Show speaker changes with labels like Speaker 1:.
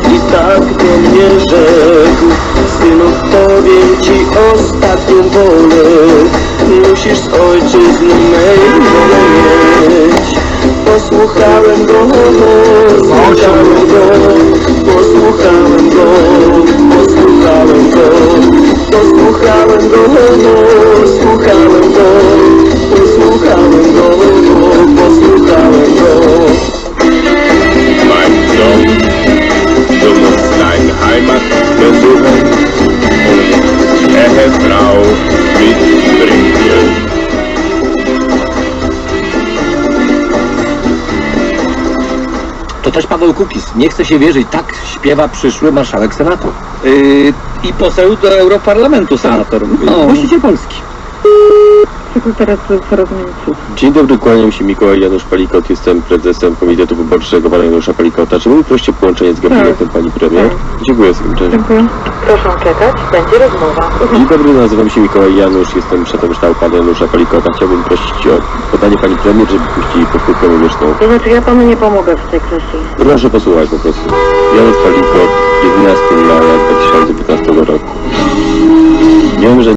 Speaker 1: i tak do mnie rzekł: synu, powiem ci ostatnią wolę, musisz z ojczyzny mej wolę mieć. Posłuchałem go, posłuchałem go, posłuchałem go, posłuchałem go, posłuchałem go, posłuchałem go, posłuchałem go, posłuchałem go.
Speaker 2: Mein Sohn, du musst deine Heimat besuchen und Ehefrau mitbringen.
Speaker 3: To też Paweł Kukiz. Nie chce się wierzyć, tak śpiewa przyszły marszałek Senatu.
Speaker 4: I poseł do Europarlamentu, senator.
Speaker 3: Właściciel Polski.
Speaker 5: Sekretariat porozumienia.
Speaker 2: Dzień dobry, kłaniam się, Mikołaj Janusz Palikot, jestem prezesem Komitetu Wyborczego pana Janusza Palikota. Czy mógł prosić o połączenie z gabinetem pani premier? Dziękuję serdecznie.
Speaker 5: Dziękuję. Proszę czekać, będzie rozmowa.
Speaker 2: Dzień dobry, nazywam się Mikołaj Janusz, jestem szefem sztabu pana Janusza Palikota. Chciałbym prosić o podanie pani premier, żeby puścili powtórkę muzyczną.
Speaker 5: To znaczy, ja panu nie pomogę w tej kwestii.
Speaker 2: Proszę posłuchać po prostu. Janusz Palikot, 11 maja 2015 roku. Wiem, że